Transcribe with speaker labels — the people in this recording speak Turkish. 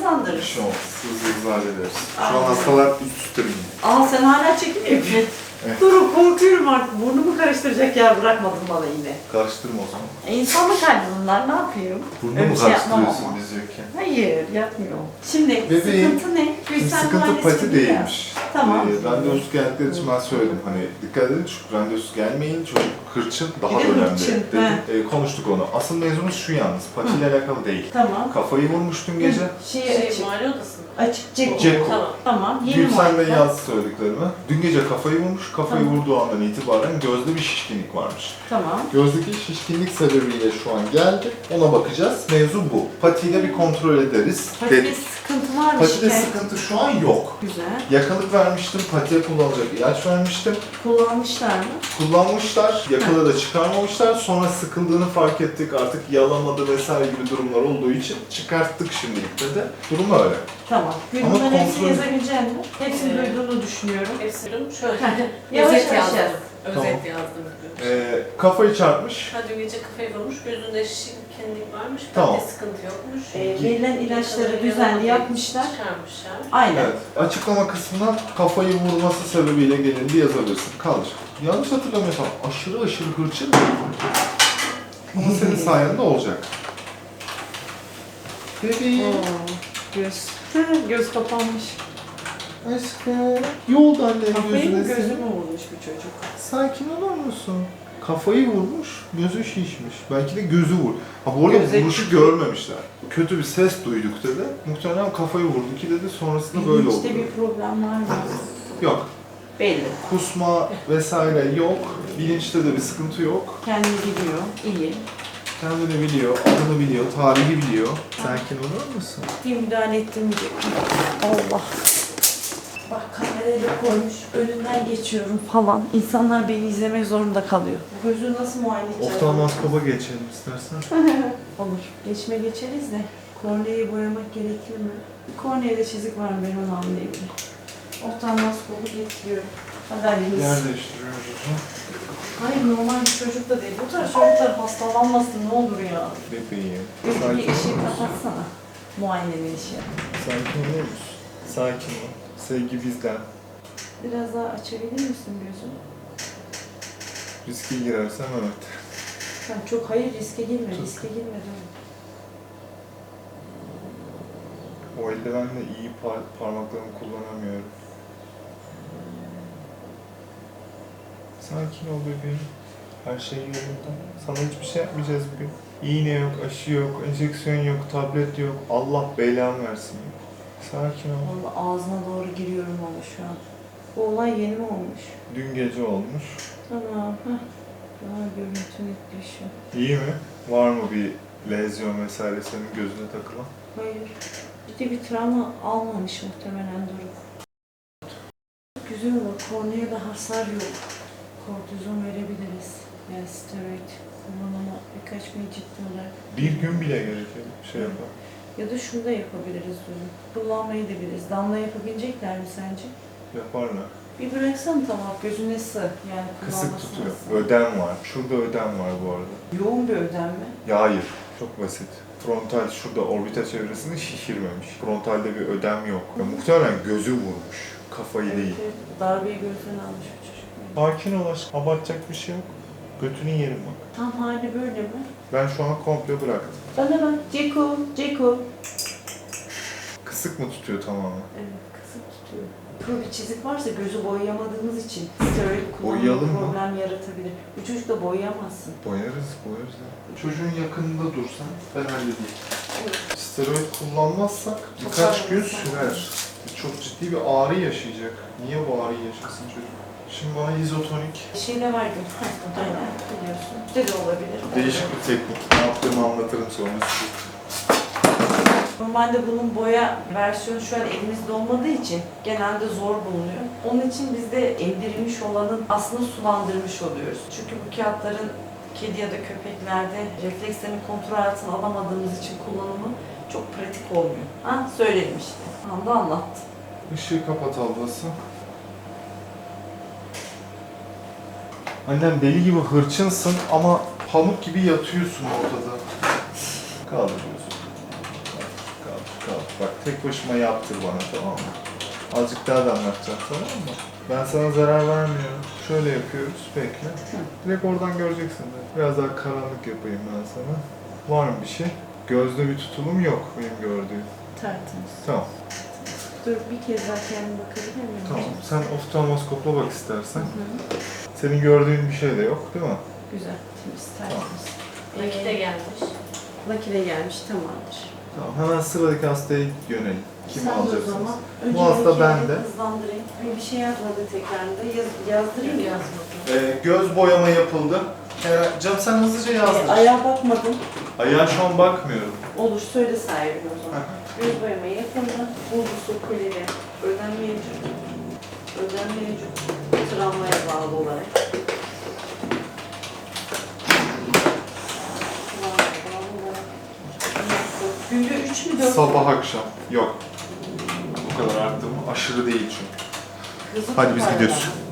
Speaker 1: kazandırırız.
Speaker 2: Şu an hızlı hallederiz. Şu an hastalar üst üste biniyor.
Speaker 1: Aa sen hala çekim yapıyorsun.
Speaker 2: Evet.
Speaker 1: Durun korkuyorum artık. Burnumu karıştıracak yer bırakmadın bana yine.
Speaker 2: Karıştırma o zaman.
Speaker 1: İnsanlık hali bunlar, ne yapayım?
Speaker 2: Burnu
Speaker 1: Öyle
Speaker 2: mu
Speaker 1: bir şey yapmam
Speaker 2: karıştırıyorsun
Speaker 1: ama.
Speaker 2: biz yokken?
Speaker 1: Hayır, yapmıyorum. Şimdi
Speaker 2: Bebeğim,
Speaker 1: sıkıntı ne? Gülsen
Speaker 2: Sıkıntı
Speaker 1: muayenesi
Speaker 2: pati
Speaker 1: gibi ya.
Speaker 2: değilmiş.
Speaker 1: Tamam.
Speaker 2: Randevusuz geldikleri için ben söyledim. Hani dikkat edin çünkü randevusuz gelmeyin. Çocuk hırçın daha
Speaker 1: Bir de
Speaker 2: önemli
Speaker 1: hırçın,
Speaker 2: dedim. Konuştuk onu. Asıl mevzumuz şu yalnız. Patiyle alakalı değil.
Speaker 1: Tamam.
Speaker 2: Kafayı vurmuş dün gece.
Speaker 1: Açık.
Speaker 3: Muayene odası mı?
Speaker 1: Açık Ceko.
Speaker 2: Ceko.
Speaker 3: Tamam.
Speaker 1: Tamam. Yeni
Speaker 2: Gülsen de
Speaker 1: muayene.
Speaker 2: yazdı söylediklerimi. Dün gece kafayı vurmuş. Kafayı
Speaker 1: Tamam.
Speaker 2: vurduğu andan itibaren gözde bir şişkinlik varmış.
Speaker 1: Tamam.
Speaker 2: Gözdeki şişkinlik sebebiyle şu an geldi. Ona bakacağız. Mevzu bu. Patiyle bir kontrol ederiz.
Speaker 1: Patide
Speaker 2: dedik.
Speaker 1: sıkıntı var mı?
Speaker 2: Patide
Speaker 1: şikayet?
Speaker 2: sıkıntı şu an yok.
Speaker 1: Güzel.
Speaker 2: Yakalık vermiştim. Patiye kullanacak ilaç vermiştim.
Speaker 1: Kullanmışlar mı?
Speaker 2: Kullanmışlar. Yakalı da çıkarmamışlar. Sonra sıkıldığını fark ettik. Artık yalamadı vesaire gibi durumlar olduğu için çıkarttık şimdilik de. Durum öyle.
Speaker 1: Tamam.
Speaker 2: Ama
Speaker 1: Bunların hepsini
Speaker 2: kontrol-
Speaker 1: yazabilecek misin? Hepsini
Speaker 3: Evet.
Speaker 1: duyduğunu düşünüyorum.
Speaker 3: Hepsi durum şöyle.
Speaker 1: Yavaş
Speaker 3: Özet
Speaker 1: yavaş
Speaker 3: yazdım.
Speaker 1: yaz.
Speaker 3: Özet
Speaker 2: Tamam.
Speaker 3: yazdım.
Speaker 2: Kafayı çarpmış.
Speaker 3: Ha dün gece kafayı vurmuş, gözünde şişkinlik varmış,
Speaker 2: Tamam.
Speaker 3: kalpte sıkıntı yokmuş.
Speaker 1: Verilen ilaçları düzenli yapmışlar.
Speaker 3: Çıkarmışlar.
Speaker 1: Aynen.
Speaker 2: Evet. Açıklama kısmına kafayı vurması sebebiyle gelindi yazabilirsin. Kalır. Yanlış hatırlamıyorsam aşırı hırçın değil. Ama senin sayende olacak. Bebeğim.
Speaker 1: Göz. Göz kapanmış.
Speaker 2: Aşkım. Yolda annenin
Speaker 1: Kafayı mı
Speaker 2: gözüne
Speaker 1: gözü
Speaker 2: senin.
Speaker 1: mü vurmuş bu çocuk?
Speaker 2: Sakin olur musun? Kafayı vurmuş, gözü şişmiş. Belki de gözü vur. Ha bu arada
Speaker 1: Göze
Speaker 2: vuruşu
Speaker 1: kötü.
Speaker 2: görmemişler. Kötü bir ses duyduk dedi. Muhtemelen kafayı vurdu ki dedi. Sonrasında böyle oldu.
Speaker 1: İşte bir problem var mı?
Speaker 2: Yok.
Speaker 1: Belli.
Speaker 2: Kusma vesaire yok. Bilinçte de bir sıkıntı yok.
Speaker 1: Kendini biliyor. İyi.
Speaker 2: Kendini biliyor, adını biliyor, tarihi biliyor. Sakin olur musun?
Speaker 1: Bir müdahale ettirmeyecek. Allah. Bak kamerayı da koymuş. Önünden geçiyorum falan. İnsanlar beni izlemek zorunda kalıyor. Gözü nasıl muayene edeceğiz?
Speaker 2: Oftalmoskopa geçelim istersen.
Speaker 1: Olur. Geçeriz de. Korneayı boyamak gerekir mi? Korneada çizik var mı ben onu anlayabilirim. Oftalmoskopu getiriyorum. Hadi halimiz.
Speaker 2: Yer değiştiriyoruz o zaman.
Speaker 1: Hayır normal bir çocuk da değil. Bu tarz çocuklar hastalanmasın ne olur ya.
Speaker 2: Bebeğim.
Speaker 1: Bir
Speaker 2: Sakin
Speaker 1: ışığı
Speaker 2: ol.
Speaker 1: kapatsana. Muayenenin işi.
Speaker 2: Sakin olur musun? Sakin ol. Sevgi bizden.
Speaker 1: Biraz daha açabilir misin gözünü?
Speaker 2: Riske girersem evet.
Speaker 1: Sen çok hayır riske girme.
Speaker 2: Çok.
Speaker 1: Riske girme dur.
Speaker 2: O eldivenle iyi parmaklarımı kullanamıyorum. Sakin ol bebeğim. Her şey yolunda. Sana hiçbir şey yapmayacağız bugün. İğne yok, aşı yok, enjeksiyon yok, tablet yok. Allah belanı versin. Sakin ol.
Speaker 1: Vallahi ağzına doğru giriyorum ama şu an. Bu olay yeni mi olmuş?
Speaker 2: Dün gece olmuş.
Speaker 1: Tamam. Heh. Daha görüntü netleşiyor.
Speaker 2: İyi mi? Var mı bir lezyon vesaire senin gözüne takılan?
Speaker 1: Hayır. Ciddi bir travma almamış muhtemelen Doruk. Güzel olur. Korneaya da hasar yok. Kortizon verebiliriz. Yani steroid kullanımı birkaç gün ciddi olarak.
Speaker 2: Bir gün bile gerekiyor şey yapar.
Speaker 1: Ya da şunu da yapabiliriz diyorum. Kullanmayı da biliriz. Damla yapabilecekler mi sence?
Speaker 2: Yaparlar.
Speaker 1: Bir bıraksan tamam gözüne sığ. Yani
Speaker 2: Kısık
Speaker 1: kullanmasına
Speaker 2: tutuyor.
Speaker 1: sığ.
Speaker 2: Ödem var. Şurada ödem var bu arada.
Speaker 1: Yoğun bir ödem mi?
Speaker 2: Ya hayır. Çok basit. Frontal şurada orbita çevresini şişirmemiş. Frontalde bir ödem yok. Ya, muhtemelen gözü vurmuş. Kafayı değil.
Speaker 1: Evet, darbeyi gözden almış bir çocuk.
Speaker 2: Sakin ol aşkım. Abartacak bir şey yok. Götünün yerim bak.
Speaker 1: Tam hali böyle mi?
Speaker 2: Ben şu an komple bıraktım.
Speaker 1: Bana bak. Ceko.
Speaker 2: Kısık mı tutuyor tamamen?
Speaker 1: Evet, kısık tutuyor. Kuru bir çizik varsa gözü boyayamadığımız için steroid
Speaker 2: Boyayalım
Speaker 1: kullanımı
Speaker 2: mı?
Speaker 1: problem yaratabilir. Bu çocuk da boyayamazsın.
Speaker 2: Boyarız ya. Çocuğun yakınında dursan ben halledeyim. Steroid kullanmazsak birkaç gün sürer. Çok ciddi bir ağrı yaşayacak. Niye bu ağrıyı yaşasın çocuk? Şimdi bana izotonik.
Speaker 1: Şeyle var gün. Aynen biliyorsun. İşte de olabilir.
Speaker 2: Değişik bir teknik. Ne yaptığımı anlatırım sonra size.
Speaker 1: Normalde bunun boya versiyonu şu an elimizde olmadığı için genelde zor bulunuyor. Onun için biz de emdirilmiş olanın aslında sulandırmış oluyoruz. Çünkü bu kağıtların kedi ya da köpeklerde reflekslerini kontrol altına alamadığımız için kullanımı çok pratik olmuyor. Ha söyledim işte. Anda anlattım.
Speaker 2: Işığı kapat ablası. Annem deli gibi hırçınsın ama pamuk gibi yatıyorsun ortada. Kaldır gözünü. Kaldır. Tamam. Bak tek başıma yaptır bana, tamam mı? Azıcık daha da anlatacağım, tamam mı? Ben sana zarar vermiyorum. Şöyle yapıyoruz, bekle. Direkt oradan göreceksin de. Biraz daha karanlık yapayım ben sana. Var mı bir şey? Gözde bir tutulum yok benim gördüğüm.
Speaker 1: Tertemiz.
Speaker 2: Tamam.
Speaker 1: Dur bir kez daha kendime bakabilir miyim?
Speaker 2: Tamam. Sen oftalmoskopla bak istersen.
Speaker 1: Hı.
Speaker 2: Senin gördüğün bir şey de yok, değil mi?
Speaker 1: Güzel, temiz, tertemiz.
Speaker 3: Nakite gelmiş.
Speaker 1: Nakile gelmiş, tamamdır.
Speaker 2: Tamam. Hemen sıradaki hastaya yönelim. Kimi
Speaker 1: Sen de o
Speaker 2: alacaksınız?
Speaker 1: zaman
Speaker 2: Bu
Speaker 1: önce
Speaker 2: hasta
Speaker 1: benimkileri
Speaker 2: bende.
Speaker 1: hızlandırayım. Bir şey yazmadı tekrarında. Yazdırayım mı?
Speaker 3: Yazmadım.
Speaker 2: Göz boyama yapıldı. Canım sen hızlıca yazdır.
Speaker 1: Ayağa bakmadım.
Speaker 2: Ayağa şu an bakmıyorum.
Speaker 1: Olur, söyle sahibi o zaman. Göz boyama yapıldı. Bulgusu, kolye, ödem mevcut. Ödem mevcut. Travmaya bağlı olarak. Travmaya bağlı olarak. Günde 3 mü 4 mü?
Speaker 2: Sabah akşam. Yok. Bu kadar arttı mı? Aşırı değil çünkü.
Speaker 1: Kızı
Speaker 2: Hadi biz
Speaker 1: tutarlar.
Speaker 2: gidiyoruz.